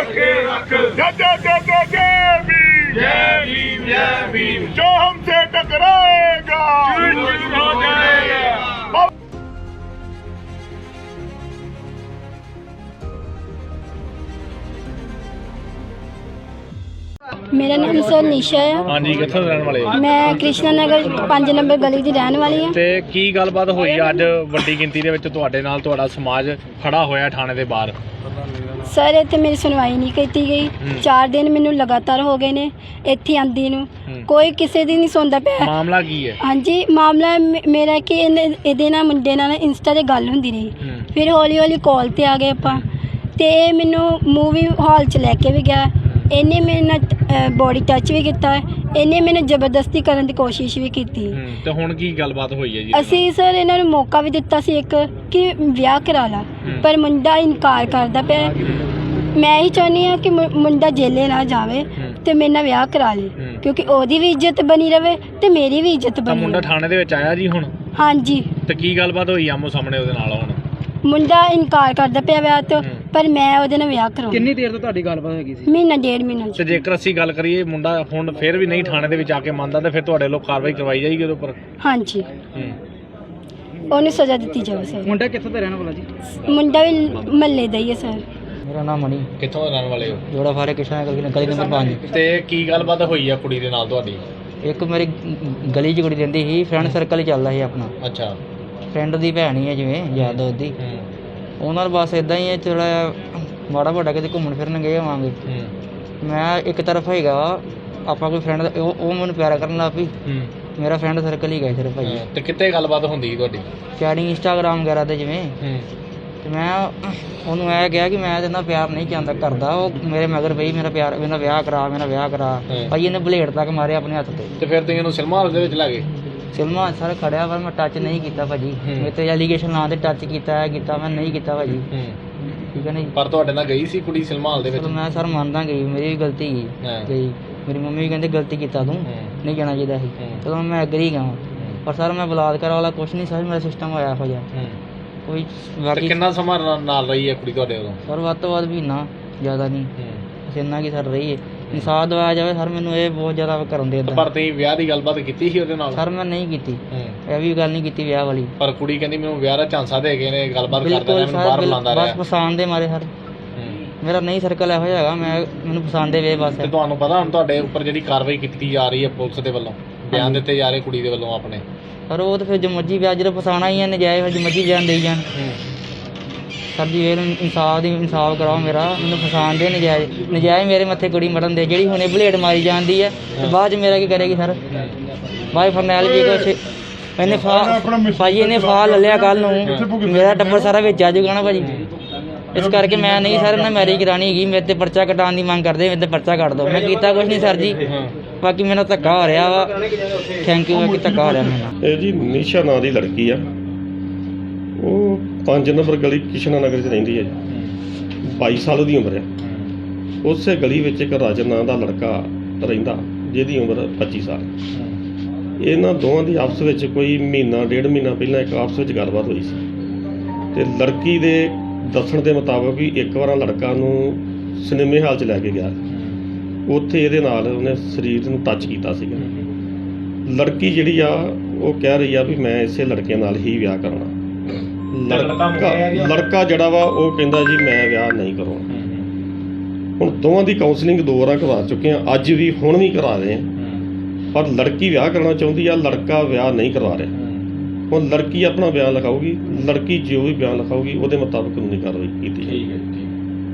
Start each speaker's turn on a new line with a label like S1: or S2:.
S1: रखे रख जय भीम जो हमसे टकराएगा चूर हो जाएगा।
S2: मेरा नाम सर निशा है।
S3: हाँ जी, कित्थों दे रहने वाले हो?
S2: मैं कृष्णा नगर 5 नंबर गली ਦੀ ਰਹਿਣ ਵਾਲੀ ਹਾਂ।
S3: ਤੇ ਕੀ ਗੱਲਬਾਤ ਹੋਈ ਅੱਜ ਵੱਡੀ ਗਿਣਤੀ ਦੇ ਵਿੱਚ ਤੁਹਾਡੇ ਨਾਲ ਤੁਹਾਡਾ ਸਮਾਜ ਖੜਾ ਹੋਇਆ ਥਾਣੇ ਦੇ ਬਾਹਰ?
S2: ਸਰ ਇੱਥੇ ਮੇਰੀ ਸੁਣਵਾਈ ਨਹੀਂ ਕੀਤੀ ਗਈ। 4 ਦਿਨ ਮੈਨੂੰ ਲਗਾਤਾਰ ਹੋ ਗਏ ਨੇ ਇੱਥੇ ਆਂਦੀ ਨੂੰ, ਕੋਈ ਕਿਸੇ ਦੀ ਨਹੀਂ ਸੁਣਦਾ ਪਿਆ।
S3: ਮਾਮਲਾ ਕੀ ਹੈ?
S2: ਹਾਂਜੀ, ਮਾਮਲਾ ਮੇਰਾ ਕਿ ਇਹਦੇ ਨਾਲ ਮੁੰਡੇ ਨਾਲ ਇੰਸਟਾ ਤੇ ਗੱਲ ਹੁੰਦੀ ਰਹੀ, ਫਿਰ ਹੌਲੀ ਹੌਲੀ ਕਾਲ ਤੇ ਆ ਗਏ ਆਪਾਂ, ਤੇ ਇਹ ਮੈਨੂੰ ਮੂਵੀ ਹਾਲ 'ਚ ਲੈ ਕੇ ਵੀ ਗਿਆ। ਇਹਨੇ ਮੇਰੇ ਨਾਲ ਬੋਡੀ ਟੱਚ ਵੀ ਕੀਤਾ, ਇਹਨੇ ਮੈਨੂੰ ਜ਼ਬਰਦਸਤੀ ਕਰਨ ਦੀ ਕੋਸ਼ਿਸ਼ ਵੀ ਕੀਤੀ।
S3: ਤੇ ਹੁਣ ਕੀ ਗੱਲਬਾਤ ਹੋਈ ਹੈ ਜੀ?
S2: ਅਸੀਂ ਸਰ ਇਹਨਾਂ ਨੂੰ ਮੌਕਾ ਵੀ ਦਿੱਤਾ ਸੀ ਇੱਕ ਕਿ ਵਿਆਹ ਕਰਾ ਲਾ, ਪਰ ਮੁੰਡਾ ਇਨਕਾਰ ਕਰਦਾ ਪਿਆ। ਮੈਂ ਹੀ ਚਾਹੁੰਦੀ ਹਾਂ ਕਿ ਮੁੰਡਾ ਜੇਲੇ ਨਾ ਜਾਵੇ ਤੇ ਮੇਰੇ ਨਾਲ ਵਿਆਹ ਕਰਾ ਲੇ, ਕਿਉਂਕਿ ਉਹਦੀ ਵੀ ਇੱਜ਼ਤ ਬਣੀ ਰਵੇ ਤੇ ਮੇਰੀ ਵੀ ਇੱਜ਼ਤ ਬਣੀ।
S3: ਮੁੰਡਾ ਥਾਣੇ ਦੇ ਵਿੱਚ ਆਇਆ ਜੀ ਹੁਣ?
S2: ਹਾਂਜੀ।
S3: ਤੇ ਕੀ ਗੱਲਬਾਤ ਹੋਈ ਆਮੋ ਸਾਹਮਣੇ ਉਹਦੇ ਨਾਲ? ਹੁਣ
S2: ਮੁੰਡਾ ਇਨਕਾਰ ਕਰਦਾ ਪਿਆ ਵਿਆਹ ਤੋਂ, ਪਰ ਮੈਂ ਉਹਦੇ ਨਾਲ ਵਿਆਹ ਕਰਾਉਣਾ।
S4: ਕਿੰਨੀ ਦੇਰ ਤੋਂ ਤੁਹਾਡੀ ਗੱਲਬਾਤ ਹੈਗੀ ਸੀ?
S2: ਮਹੀਨਾ 1.5 ਮਹੀਨਾ।
S3: ਤੇ ਜੇਕਰ ਅਸੀਂ ਗੱਲ ਕਰੀਏ ਮੁੰਡਾ ਹੁਣ ਫਿਰ ਵੀ ਨਹੀਂ ਥਾਣੇ ਦੇ ਵਿੱਚ ਆ ਕੇ ਮੰਨਦਾ, ਤੇ ਫਿਰ ਤੁਹਾਡੇ ਲੋਕ ਕਾਰਵਾਈ ਕਰਵਾਈ ਜਾਏਗੀ ਉਹਦੇ ਉੱਪਰ?
S2: ਹਾਂਜੀ, ਉਹਨੂੰ ਸਜ਼ਾ ਦਿੱਤੀ ਜਾਵੇ ਸਰ।
S4: ਮੁੰਡਾ ਕਿੱਥੋਂ ਦਾ ਰਹਿਣ ਵਾਲਾ ਜੀ?
S2: ਮੁੰਡਾ ਵੀ ਮਹੱਲੇ ਦਾ ਹੀ ਹੈ ਸਰ।
S4: ਮੇਰਾ ਨਾਮ ਮਣੀ।
S3: ਕਿੱਥੋਂ ਦੇ ਰਹਿਣ ਵਾਲੇ ਹੋ?
S4: ਜੋੜਾ ਫਾਰੇ ਕਿਸ਼ਨਾ ਗਲੀ ਨੰਬਰ 5।
S3: ਤੇ ਕੀ ਗੱਲਬਾਤ ਹੋਈ ਆ ਕੁੜੀ ਦੇ ਨਾਲ ਤੁਹਾਡੀ?
S4: ਇੱਕ ਮੇਰੀ ਗਲੀ 'ਚ ਕੁੜੀ ਰਹਿੰਦੀ ਸੀ, ਫਰੈਂਡ ਸਰਕਲ ਹੀ ਚੱਲਦਾ ਸੀ ਆਪਣਾ।
S3: ਅੱਛਾ।
S4: ਫਰੈਂਡ ਦੀ ਭੈਣ ਹੀ ਹੈ ਜਿਵੇਂ ਯਾਰ ਦੋਸਤ ਦੀ, ਉਹਨਾਂ ਨਾਲ ਬਸ ਇਦਾਂ ਹੀ ਹੈ, ਥੋੜ੍ਹਾ ਮਾੜਾ ਮੋਟਾ ਕਿਤੇ ਘੁੰਮਣ ਫਿਰਨ ਗਏ ਹੋਵਾਂਗੇ। ਮੈਂ ਇੱਕ ਤਰਫ ਹੈਗਾ ਆਪਾਂ ਕੋਈ ਫਰੈਂਡ ਉਹ ਮੈਨੂੰ ਪਿਆਰ ਕਰਨ ਲੱਗ ਪਈ, ਮੇਰਾ ਫਰੈਂਡ ਸਰਕਲ ਹੀ ਗਿਆ ਸਿਰਫ ਭਾਈ।
S3: ਤੇ ਕਿੱਥੇ ਗੱਲਬਾਤ ਹੁੰਦੀ ਤੁਹਾਡੀ?
S4: ਚੈਟਿੰਗ ਇੰਸਟਾਗ੍ਰਾਮ ਵਗੈਰਾ ਤੇ ਜਿਵੇਂ। ਤੇ ਮੈਂ ਉਹਨੂੰ ਇਹ ਕਿਹਾ ਕਿ ਮੈਂ ਇਹਦੇ ਨਾਲ ਪਿਆਰ ਨਹੀਂ ਚਾਹੁੰਦਾ ਕਰਦਾ, ਉਹ ਮੇਰੇ ਮਗਰ ਪਈ ਮੇਰਾ ਵਿਆਹ ਕਰਾ ਭਾਈ। ਇਹਨੇ ਬਲੇਡ ਤੱਕ ਮਾਰਿਆ ਆਪਣੇ ਹੱਥ ਤੇ।
S3: ਤੇ ਫਿਰ ਤੁਸੀਂ ਇਹਨੂੰ ਸਿਨੇਮਾ ਹਾਲ ਦੇ ਵਿੱਚ ਲੈ ਗਏ?
S4: ਸਿਨੇਮਾ ਸਰ ਖੜਿਆ, ਪਰ ਮੈਂ ਟੱਚ ਨਹੀਂ ਕੀਤਾ ਭਾਜੀ। ਮੇਰੇ ਤੇ ਐਲੀਗੇਸ਼ਨ ਨਾਂ ਤੇ ਟੱਚ ਕੀਤਾ ਮੈਂ ਨਹੀਂ ਕੀਤਾ ਭਾਜੀ, ਠੀਕ ਹੈ ਨਾ ਜੀ।
S3: ਪਰ ਤੁਹਾਡੇ ਨਾਲ ਗਈ ਸੀ ਕੁੜੀ ਸਿਨੇਮਾ ਹਾਲ ਦੇ ਵਿੱਚ?
S4: ਮੈਂ ਸਰ ਮੰਨਦਾ ਗਈ, ਮੇਰੀ ਵੀ ਗਲਤੀ ਗਈ। ਮੇਰੀ ਮੰਮੀ ਵੀ ਕਹਿੰਦੇ ਗਲਤੀ ਕੀਤਾ ਤੂੰ, ਨਹੀਂ ਜਾਣਾ ਚਾਹੀਦਾ ਸੀ। ਚਲੋ ਮੈਂ ਐਗਰੀ ਗਿਆ, ਪਰ ਸਰ ਮੈਂ ਬਲਾਤਕਾਰ ਵਾਲਾ ਕੁਛ ਨਹੀਂ ਸਰ, ਮੇਰਾ ਸਿਸਟਮ ਹੋਇਆ ਇਹੋ ਜਿਹਾ ਕੋਈ। ਬਾਕੀ
S3: ਕਿੰਨਾ ਸਮਾਂ ਨਾਲ ਰਹੀ ਹੈ ਕੁੜੀ ਤੁਹਾਡੇ ਉਦੋਂ?
S4: ਸਰ ਵੱਧ ਤੋਂ ਵੱਧ ਮਹੀਨਾ, ਜ਼ਿਆਦਾ ਨਹੀਂ, ਬਸ ਇੰਨਾ ਕੀ ਸਰ ਰਹੀ ਹੈ। ਇਨਸਾਫ ਦਵਾਇਆ ਜਾਵੇ ਸਰ, ਮੈਨੂੰ ਇਹ ਬਹੁਤ ਜ਼ਿਆਦਾ ਕਰਨ ਦੇ।
S3: ਪਰ ਤੁਸੀਂ ਵਿਆਹ ਦੀ ਗੱਲਬਾਤ ਕੀਤੀ ਸੀ ਉਹਦੇ ਨਾਲ?
S4: ਸਰ ਮੈਂ ਨਹੀਂ ਕੀਤੀ, ਇਹ ਵੀ ਗੱਲ ਨਹੀਂ ਕੀਤੀ ਵਿਆਹ ਵਾਲੀ।
S3: ਪਰ ਕੁੜੀ ਕਹਿੰਦੀ ਮੈਨੂੰ ਵਿਆਹ ਦਾ ਝਾਂਸਾ ਦੇ ਗਏ ਨੇ, ਗੱਲਬਾਤ ਕਰਦਾ ਰਿਹਾ, ਮੈਨੂੰ ਬਾਹਰ ਬੁਲਾਉਂਦਾ ਰਿਹਾ।
S4: ਬਸ ਪਸੰਦ ਦੇ ਮਾਰੇ ਸਰ, ਮੇਰਾ ਨਹੀਂ ਸਰਕਲ ਇਹੋ ਜਿਹਾ ਹੈਗਾ, ਮੈਨੂੰ ਪਸੰਦ ਦੇ ਵੇ ਬਸ।
S3: ਤੇ ਤੁਹਾਨੂੰ ਪਤਾ ਹੁਣ ਤੁਹਾਡੇ ਉੱਪਰ ਜਿਹੜੀ ਕਾਰਵਾਈ ਕੀਤੀ ਜਾ ਰਹੀ ਹੈ ਪੁਲਿਸ ਦੇ ਵੱਲੋਂ, ਬਿਆਨ ਦਿੱਤੇ ਜਾ ਰਹੇ ਕੁੜੀ ਦੇ ਵੱਲੋਂ ਆਪਣੇ?
S4: ਪਰ ਉਹ ਤਾਂ ਫਿਰ ਜੋ ਮਰਜ਼ੀ ਵਿਆਹ ਜਦੋਂ ਫਸਾਉਣਾ ਹੀ ਹੈ, ਨਜਾਇਜ਼ ਫਿਰ ਜੋ ਮਰਜ਼ੀ ਬਿਆਨ ਦੇਈ ਜਾਣ। ਸਰ ਜੀ ਇਹ ਇਨਸਾਫ ਕਰਾਓ ਮੇਰਾ, ਮੈਨੂੰ ਫਸਾਉਣ ਦੇ ਨਜਾਇਜ਼ ਮੇਰੇ ਮੱਥੇ ਕੁੜੀ ਮਰਨ ਦੇ। ਜਿਹੜੀ ਹੁਣੇ ਬਲੇਡ ਮਾਰੀ ਜਾਂਦੀ ਹੈ ਤੇ ਬਾਅਦ 'ਚ ਮੇਰਾ ਕੀ ਕਰੇਗੀ ਸਰ? ਬਾਈ ਫਰਨੈਲ ਜੀ ਕੁਛ ਇਹਨੇ ਭਾਜੀ ਇਹਨੇ ਫਾਹ ਲੈ ਲਿਆ ਕੱਲ੍ਹ ਨੂੰ, ਮੇਰਾ ਟੱਬਰ ਸਾਰਾ ਵਿੱਚ ਆ ਜਾਊਗਾ ਨਾ ਭਾਜੀ। ਇਸ ਕਰਕੇ ਮੈਂ ਨਹੀਂ ਸਰ ਇਹਨਾਂ ਮੈਰਿਜ ਕਰਾਉਣੀ ਹੈਗੀ। ਮੇਰੇ 'ਤੇ ਪਰਚਾ ਕਟਾਉਣ ਦੀ ਮੰਗ ਕਰਦੇ, ਮੇਰੇ 'ਤੇ ਪਰਚਾ ਕੱਟ ਦਿਓ। ਮੈਂ ਕੀਤਾ ਕੁਛ ਨਹੀਂ ਸਰ ਜੀ, ਬਾਕੀ ਮੈਨੂੰ ਧੱਕਾ ਹੋ ਰਿਹਾ ਵਾ। Thank you. ਬਾਕੀ ਧੱਕਾ ਹੋ ਰਿਹਾ ਮੈਨੂੰ।
S5: ਇਹ ਜੀ ਨਿਸ਼ਾ ਨਾਂ ਦੀ ਲੜਕੀ ਆ, ਉਹ 5 ਨੰਬਰ ਗਲੀ ਕਿਸ਼ਨਾ ਨਗਰ 'ਚ ਰਹਿੰਦੀ ਹੈ ਜੀ। 22 ਸਾਲ ਦੀ ਉਮਰ ਹੈ। ਉਸੇ ਗਲੀ ਵਿੱਚ ਇੱਕ ਰਾਜਨ ਨਾਂ ਦਾ ਲੜਕਾ ਰਹਿੰਦਾ, ਜਿਹਦੀ ਉਮਰ 25 ਸਾਲ। ਇਹਨਾਂ ਦੋਵਾਂ ਦੀ ਆਪਸ ਵਿੱਚ ਕੋਈ ਮਹੀਨਾ 1.5 ਮਹੀਨਾ ਪਹਿਲਾਂ ਇੱਕ ਆਪਸ ਵਿੱਚ ਗੱਲਬਾਤ ਹੋਈ ਸੀ, ਤੇ ਲੜਕੀ ਦੇ ਦੱਸਣ ਦੇ ਮੁਤਾਬਕ ਵੀ ਇੱਕ ਵਾਰ ਲੜਕਾ ਨੂੰ ਸਿਨੇਮੇ ਹਾਲ 'ਚ ਲੈ ਕੇ ਗਿਆ, ਉੱਥੇ ਇਹਦੇ ਨਾਲ ਉਹਨੇ ਸਰੀਰ ਨੂੰ ਟੱਚ ਕੀਤਾ ਸੀਗਾ। ਲੜਕੀ ਜਿਹੜੀ ਆ ਉਹ ਕਹਿ ਰਹੀ ਆ ਵੀ ਮੈਂ ਇਸੇ ਲੜਕੇ ਨਾਲ ਹੀ ਵਿਆਹ ਕਰਨਾ। ਲੜਕਾ ਜਿਹੜਾ ਵਾ ਉਹ ਕਹਿੰਦਾ ਜੀ ਮੈਂ ਵਿਆਹ ਨਹੀਂ ਕਰਾਉਣਾ। ਹੁਣ ਦੋਵਾਂ ਦੀ ਕਾਉਂਸਲਿੰਗ 2 ਵਾਰ ਕਰਵਾ ਚੁੱਕੇ ਆ, ਅੱਜ ਵੀ ਹੁਣ ਵੀ ਕਰਾ ਰਹੇ ਆ, ਪਰ ਲੜਕੀ ਵਿਆਹ ਕਰਨਾ ਚਾਹੁੰਦੀ ਆ, ਲੜਕਾ ਵਿਆਹ ਨਹੀਂ ਕਰਵਾ ਰਿਹਾ। ਹੁਣ ਲੜਕੀ ਆਪਣਾ ਬਿਆਨ ਲਿਖਾਊਗੀ, ਲੜਕੀ ਜੋ ਵੀ ਬਿਆਨ ਲਿਖਾਊਗੀ ਉਹਦੇ ਮੁਤਾਬਕ ਕਾਨੂੰਨੀ ਕਾਰਵਾਈ ਕੀਤੀ ਜਾਏਗੀ।